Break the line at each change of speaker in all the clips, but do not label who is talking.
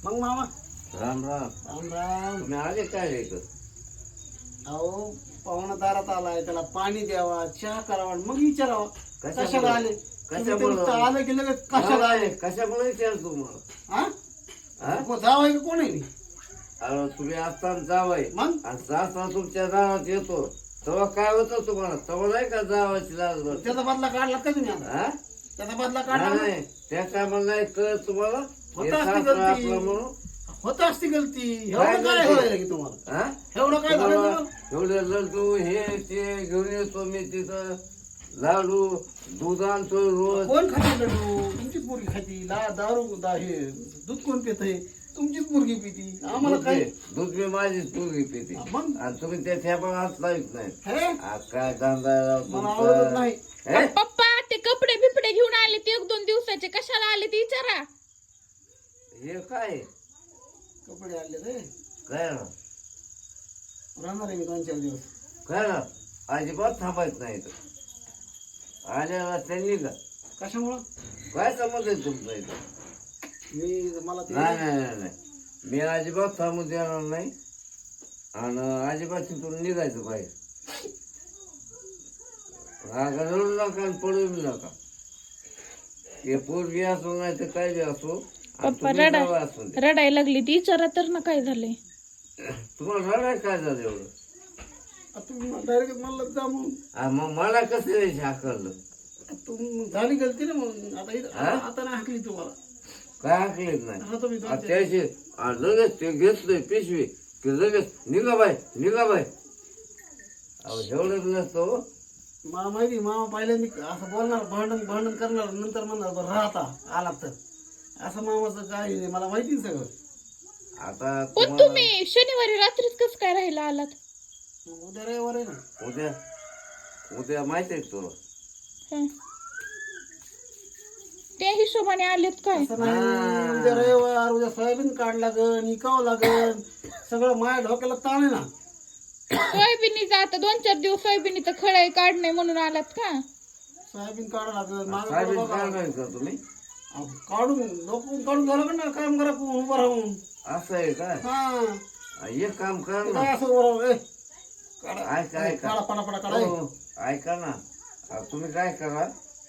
मग मामा
राम राम.
राम राम.
तुम्ही आले काय रे इथं?
अहो पाहुणा दारात आलाय, त्याला पाणी द्यावा, चहा करावा, मग विचारावा कशाला आले.
कशामुळं?
तुम्ही तर आलं की लगेच कशाला आले.
कशामुळे विचारतो मग?
हा मग जावं की कोण आहे मी?
अरे तुम्ही असताना जावाय
मग
आणि सासरा तुमच्या गावात येतो तेव्हा काय होतं तुम्हाला? तेव्हा नाही का जावाची लाज वाटते?
त्याचा बदला काढला का तुम्ही आता?
हा?
त्याचा बदला काढला
नाही
ना?
नाही, त्या टायमाला नाही कळत तुम्हाला? हे
होतं असती
सासरा
गलती.
आपला म्हणून.
होत असती गलती.
काय
एवढं काय
गलती?
व्हायला की तुम्हाला?
हा?
एवढं काय झालं
तुम्हाला
तुम्हाला?
एवढे लड्डू हे ते घेऊन येतो मी तिथं, लाडू दूध आणतो रोज.
कोण खाते लड्डू? तुमचीच मुलगी खाती. हे दूध कोण पितंय? तुमचीच मुलगी पिती. आम्हाला काय
दूध मी माझीच पूर्वी पिते
मग
आणि तुम्ही त्या ठेपा हात लावित नाही.
हे
आज काय धंदा
मला आवडत नाही.
हे?
पप्पा ते कपडे बिपडे घेऊन आले ते 1-2 दिवसाचे कशाला आले ते विचारा.
हे काय
कपडे आणले रे.
काय ना
राहणार आहे मी 2-4 दिवस.
काय ना अजिबात थांबायचं नाही इथं. आल्याला त्यांनी का
कशामुळं?
काय समज आहे तुमचं इथं?
मला ते
नाही नाही नाही नाही, मी अजिबात थांबू देणार नाही आणि अजिबात तिथून निघायचं बाहेर. रागा रडू नका आणि पडू नका. हे पोरगी असो नाही तर काय बी असो आणि
पप्पा
तुम्ही जावं असू दे.
रडायला लागली ती विचारा तर ना काय झालंय.
तुम्हाला रडाय काय झालं एवढं?
तुम्ही डायरेक्ट मला जा म्हणून.
मग मला कसं हाकललं?
झाली गलती ना म्हणून. आता नाही हाकली तुम्हाला.
काय हाकलेत नाही
आता तुम्ही 2-4
त्याचे लगेच ते घेतलंय पिशवी की लगेच निघा बाय निघा बाय. अहो एवढंच नसतो.
मला माहिती मामा पहिल्यांदा असं बोलणार, भांडण करणार, नंतर म्हणणार बरं राहता आला तर. असं मामाचं काय आहे, मला माहिती आहे सगळं.
आता
पण
तुम्हाला
तुम्ही शनिवारी रात्रीच कस काय राहिला आलात?
मग उद्या रविवार आहे ना.
उद्या उद्या माहित आहे तुला?
हं. त्या हिशोबाने आलेत काय?
असं नाही. उद्या रविवार, उद्या सोयाबीन काढ लागन, इकावं लागन, सगळं माझ्या डोक्याला ताण आहे ना.
सोयाबीनीचा आता 2-4 दिवस सोयाबीनीचं खळाई काढणे म्हणून आलात का?
सोयाबीन काढा लागन. माझं
साहेब
बघा.
काय नाही का तुम्ही?
अहो, काढून लोकं काढून झालं का ना काम करा उभं राहून.
असं आहे काय?
हा
एक काम कर
ते
ना.
काय असं उभं राहून काढा
ऐका ऐका
काढा पटापटा काढा.
हो, ऐका ना. तुम्ही काय करा,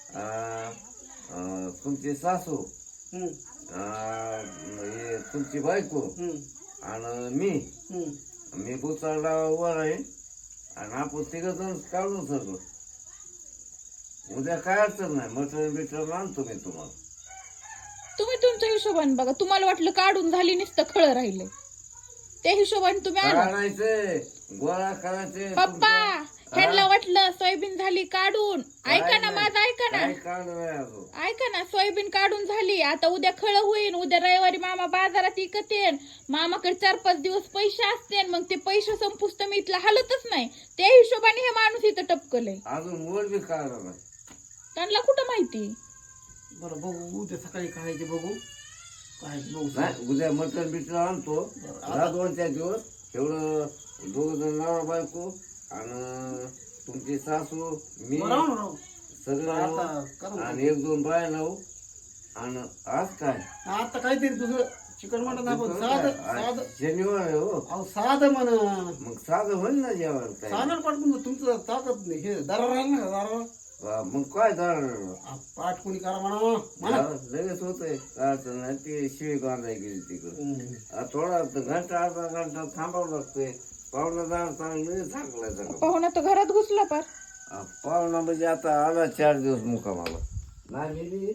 तुमची सासू
हम्म,
हे तुमची बायको
हम्म,
आणि मी
हम्म.
मी बुचारला उभा राहीन आणि आपण तिघजण काढून सगळं. उद्या काय अडचण नाही, मटण बिटन आणतो मी तुम्हाला.
तुम्ही तुमच्या हिशोबाने बघा. तुम्हाला वाटलं काढून झाली नुसतं खळ राहिले त्या हिशोबाने तुम्ही आला.
काढायचे गोळा करायचे.
पप्पा ह्यांना वाटलं सोयाबीन झाली काढून. ऐका ना
नाही.
माझं ऐका ना.
काय काढ नाही अजून.
ऐका ना सोयाबीन काढून झाली. आता उद्या खळ होईन. उद्या रविवारी मामा बाजारात इकतेन. मामाकडे 4-5 दिवस पैसे असते. मग ते पैसे संपुस्त मी इथला हालतच नाही. त्या हिशोबाने हे माणूस इथं टपकलंय.
अजून मोड बी काढला नाही.
त्यांना कुठं माहिती?
बरं बघू उद्या सकाळी काय ते बघू काय ते बघू.
नाही, उद्या मटण बिटन आणतो. राहा 2-4 दिवस. एवढं 2 जण नवरा बायको आणि तुमची सासू मी
राहू ना, राहू.
सगळं
आता
आणू.
करू.
आणि 1-2 बाया लावू. आणि आज काय
आता काहीतरी दुसरं चिकन मटन आपण साधं साधं.
शनिवार आहे हो.
अहो साधं म्हण.
मग साधं होईल ना जेवण काय.
साधं पाठवून तुमचं ताकद नाही. हे दारा राहील ना दारा.
मग काय झालं?
पाठ कोणी करा म्हणा.
लगेच होतंय. काय अडचण नाही. ती शिळी बांधाय गेली तिकडं. थोडा घंटा अर्धा घंटा थांबावं लागतंय. पाहुणा जाणार चांगलं चांगलं सगळं.
पाहुणा तर घरात घुसला पार.
पाहुणा म्हणजे आता आला 4 दिवस मुक्कामाला. नाही मी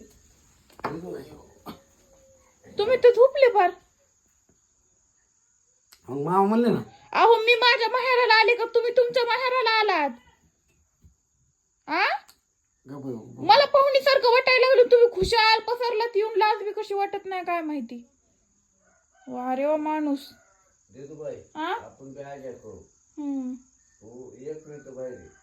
तुम्ही तर झोपले पार.
मग मामा म्हणले ना.
अहो मी माझ्या माहेराला आले का तुम्ही तुमच्या माहेराला आलात? आ मला पाहुणीसारखं वाटायला लागलं. तुम्ही खुशाल पसरलात येऊन. लाज बी कशी वाटत नाही काय माहिती. वा रे वा माणूस.
देतो बाई
आ
आपण काय काय करू.
हम्म.
तू एक मिनिट बाहेर ये.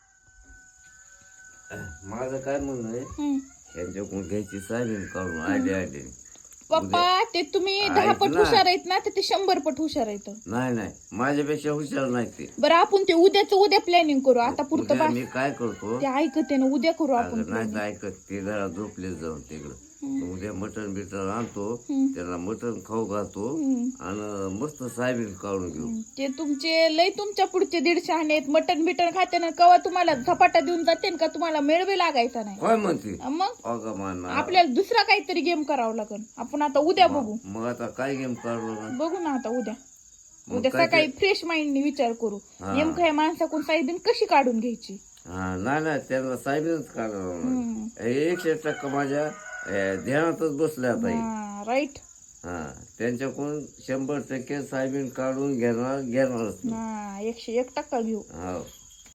माझं काय म्हणणं आहे,
हम्म.
यांच्याकडून घ्यायची सायबीन काढून आयडिया.
पप्पा ते तुम्ही 10 पट हुशार आहेत ना, तर ते 100 पट हुशार आहेत.
नाही नाही, माझ्यापेक्षा हुशार नाही ते.
बरं आपण ते उद्या प्लॅनिंग करू. आता पुरतं
उद्या
बस.
मी काय करतो,
ते ऐकते ना, उद्या करू आपण
नाही तर ऐकत ते जरा झोपले जाऊन तिकडं. उद्या मटण बिटन आणतो, त्याला मटण खाऊ घालतो आणि मस्त साहेबीन काढून घेऊ.
ते तुमचे लय तुमच्या पुढचे 150 आहेत. मटण बिटन खाते ना कवा तुम्हाला झपाटा देऊन जाते का तुम्हाला मेळबे लागायचा नाही.
काय म्हणते
मग
अगं मान
आपल्याला दुसरा काहीतरी गेम करावा लागेल. आपण आता उद्या बघू.
मग आता काय गेम काढलो ना?
बघू ना आता उद्या सकाळी फ्रेश माइंडने विचार करू नेमकं ह्या माणसाकडून साईबीन कशी काढून घ्यायची.
हा नाही त्यांना साहेबीनच काढणार. 100% माझ्या ध्यानातच बसले आता.
राईट.
हा त्यांच्याकडून 100% साहेबीन काढून घेणारच.
101% घेऊ.
हो.